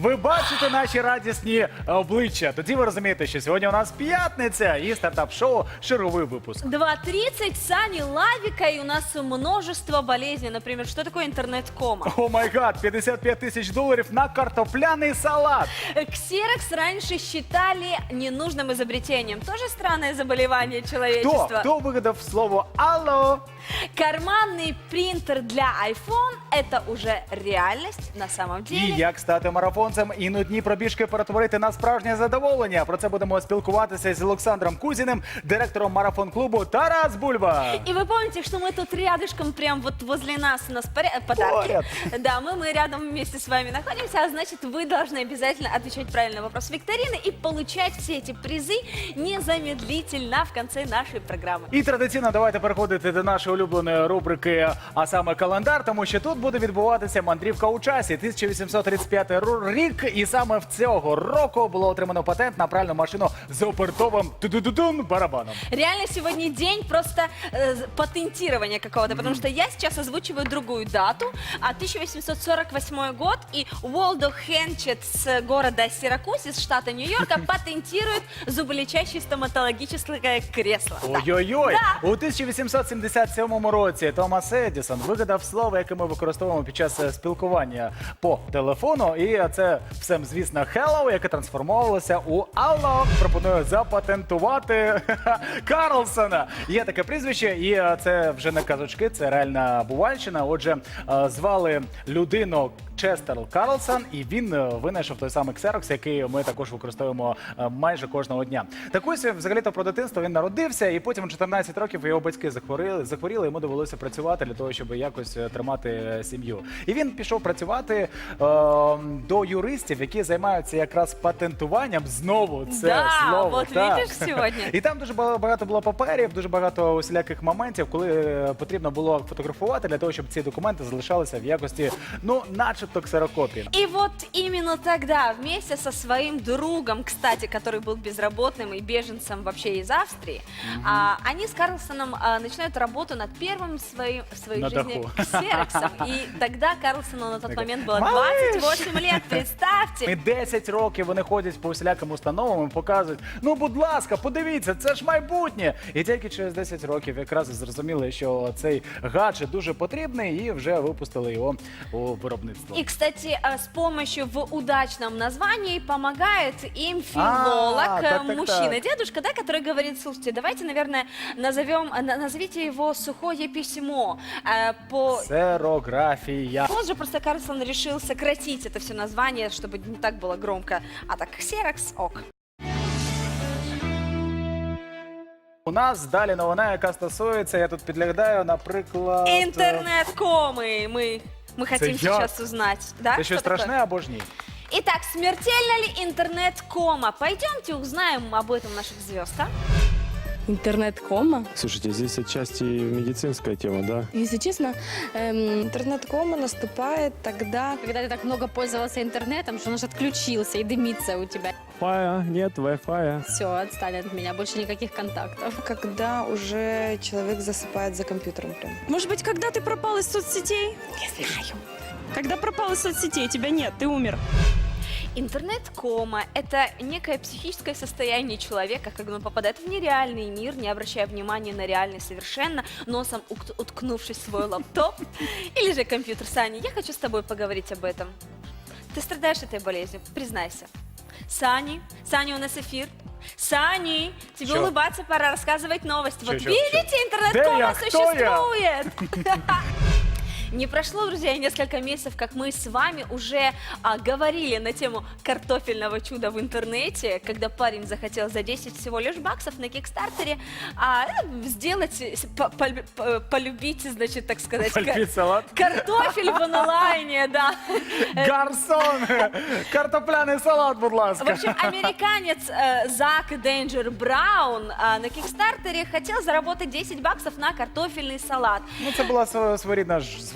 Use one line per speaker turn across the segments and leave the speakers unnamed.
ви бачите наші радісні обличчя. Тоді ви розумієте, що сьогодні у нас п'ятниця і стартап-шоу «Шаровий випуск».
2:30, Сани Лавика, и у нас множество болезней. Например, что такое интернет-кома?
О май гад, 55 тисяч доларів на картопляний салат.
Ксерокс раньше считали ненужным изобретением. Тоже странное заболевание человечества.
Хто вигадав слово «алло»?
Карманный принтер для iPhone – это уже реальность на самом деле.
І як стати марафонцем і нудні пробіжки перетворити на справжнє задоволення. Про це будемо спілкуватися з Олександром Кузіним, директором марафон-клубу «Тарас Бульба».
И вы помните, что мы тут рядышком, прям вот возле нас у нас подарки.
Поряд.
Да, мы рядом вместе с вами находимся, а значит, вы должны обязательно отвечать правильно на вопрос викторины и получать все эти призы незамедлительно в конце нашей программы.
І традиційно давайте переходити до нашої улюбленої рубрики, а саме календар, тому що тут буде відбуватися мандрівка у часі. 1835 рік, і саме в цього року було отримано патент на пральну машину з опертовим барабаном.
Реально сегодня день просто патентирования какого-то, потому что я сейчас озвучиваю другую дату, 1848 год, и Уолдо Хенчет с города Сиракуз из штата Нью-Йорка патентирует зуболечащее стоматологическое кресло. Да.
Ой-ой-ой!
Да.
У 1877 році Томас Едісон вигадав слово, яке ми використовуємо під час спілкування по телефону. І це все, звісно, hello, яке трансформувалося у алло. Пропоную запатентувати Карлсона. Є таке прізвище, і це вже не казочки, це реальна бувальщина. Отже, звали людину Честер Карлсон, і він винайшов той самий ксерокс, який ми також використовуємо майже кожного дня. Так ось, взагалі-то про дитинство він народився, і потім у 14 років його батьки захворіли, йому довелося працювати для того, щоб якось тримати сім'ю. І він пішов працювати до юристів, які займаються якраз патентуванням, знову це
Да,
слово.
вот
так.
видиш сьогодні.
І там дуже багато було паперів, дуже багато усіляких моментів, коли потрібно було фотографувати для того, щоб ці документи залишалися в якості, ну, начебто ксерокопії.
И вот именно тогда вместе со своим другом, кстати, который был безработным и беженцем вообще из Австрии, они с Карлсоном начинают работу над первым в своей
На
жизни
даху.
ксероксом. И тогда Карлсону на тот момент было
Малыш!
28 лет, представьте.
І 10 років вони ходять по усіляким установам і показують, ну, будь ласка, подивіться, це ж майбутнє. І тільки через 10 років якраз зрозуміли, що цей гаджет дуже потрібний, і вже випустили його у виробництво.
И, кстати, с помощью в удачном названии помогает им филолог,
так.
мужчина, дедушка, да, который говорит: слушайте, давайте, наверное, назовите его «Сухое письмо».
Ксерографія.
Позже просто Карлсон решил сократить это все название, чтобы не так было громко. А так, ксерокс, ок.
У нас далі новина, яка стосується, я тут підглядаю, наприклад...
Интернет-комы. Мы хотим
я?
сейчас узнать. Да?
Це що
Что такое?
страшне або ж ні?
Итак, смертельна ли интернет-кома? Пойдемте узнаем об этом у наших звезд, а?
Интернет-кома?
Слушайте, здесь отчасти медицинская тема, да?
Если честно, интернет-кома наступает тогда,
Когда ты так много пользовался интернетом, что он аж отключился и дымится у тебя.
Wi-Fi, нет Wi-Fi.
Все, отстали от меня, больше никаких контактов.
когда уже человек засыпает за компьютером прям.
Может быть, когда ты пропал из соцсетей?
Не знаю.
Когда пропал из соцсетей, тебя нет, ты умер.
Интернет-кома – это некое психическое состояние человека, когда он попадает в нереальный мир, не обращая внимания на реальный совершенно, носом уткнувшись в свой лаптоп или же компьютер. Саня, я хочу с тобой поговорить об этом. Ты страдаешь этой болезнью, признайся. Саня, у нас эфир. Сани, тебе
Чё?
улыбаться пора, рассказывать новости. Вот
Чё?
видите,
Где
интернет-кома
я? Кто
существует. Не прошло, друзья, и несколько месяцев, как мы с вами уже говорили на тему картофельного чуда в интернете, когда парень захотел за 10 всего лишь баксов на Кикстартере сделать, полюбить, значит, так сказать,
Полюбить салат?
картофель в онлайне, да.
Гарсон! Картопляний салат, будь
В
ласка!
общем, американец Зак Денджер Браун на Кикстартере хотел заработать 10 баксов на картофельный салат.
Ну, це була своєрідна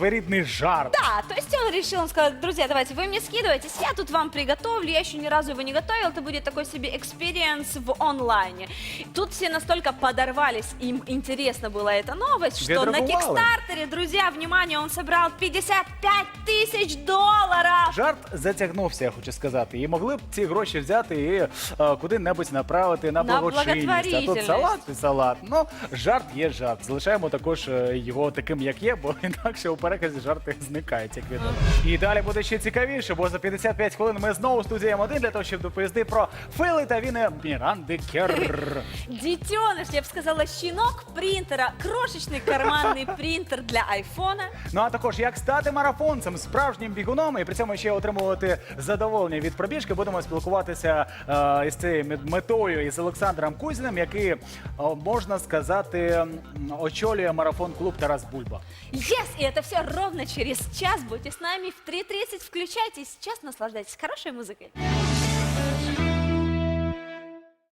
своерідний жарт.
Да, то есть он решил, он сказал, друзья, давайте вы мне скидывайтесь, я тут вам приготовлю, я еще ни разу его не готовил, это будет такой себе экспириенс в онлайне. Тут все настолько подорвались, им интересно была эта новость, что на
Відреагували.
Кикстартере, друзья, внимание, он собрал $55 тысяч долларов.
Жарт затягнувся, я хочу сказати. І могли б ці гроші взяти і куди-небудь направити на
На
благочинність. А тут
благотворительність.
салат і салат. Ну, жарт є жарт. Залишаємо також його таким, як є, бо інакше у переказі жарти зникають, як відомо. І далі буде ще цікавіше, бо за 55 хвилин ми знову в студії М1 для того, щоб доповісти про фейли та віни Міранди Керр.
Детеныш, я бы сказала, щенок принтера, крошечный карманный принтер для айфона.
Ну а також як стати марафонцем, справжнім бігуном і при цьому ще отримувати задоволення від пробіжки. Будемо спілкуватися із цією метою із Олександром Кузіним, який, можна сказати, очолює марафон-клуб Тарас Бульба.
Yes! И это все ровно через час. Будьте с нами в 3:30. Включайтесь. Сейчас наслаждайтесь хорошей музыкой.